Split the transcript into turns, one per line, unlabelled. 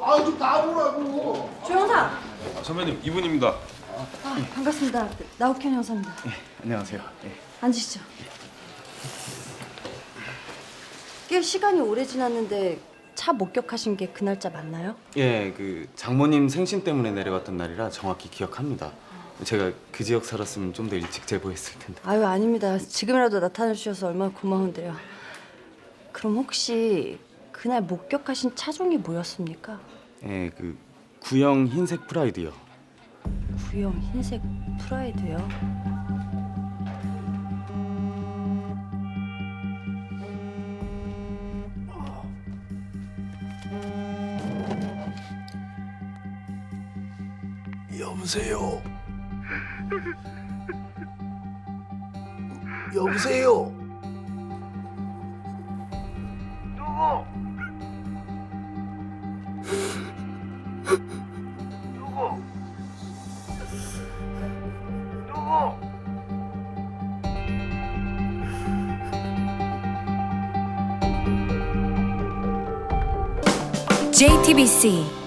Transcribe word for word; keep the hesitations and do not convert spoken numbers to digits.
아, 좀 나보라고.
조영상.
아, 선배님 이분입니다.
아, 반갑습니다. 나욱현 형사입니다.
예, 안녕하세요. 예.
앉으시죠. 꽤 시간이 오래 지났는데 차 목격하신 게 그 날짜 맞나요?
예, 그 장모님 생신 때문에 내려왔던 날이라 정확히 기억합니다. 제가 그 지역 살았으면 좀 더 일찍 제보했을 텐데.
아유, 아닙니다. 지금이라도 나타나 주셔서 얼마나 고마운데요. 그럼 혹시 그날 목격하신 차종이 뭐였습니까?
예, 그 구형 흰색 프라이드요.
구형 흰색 프라이드요.
여보세요. 여보세요. 누구? 누구? 누구?
제이티비씨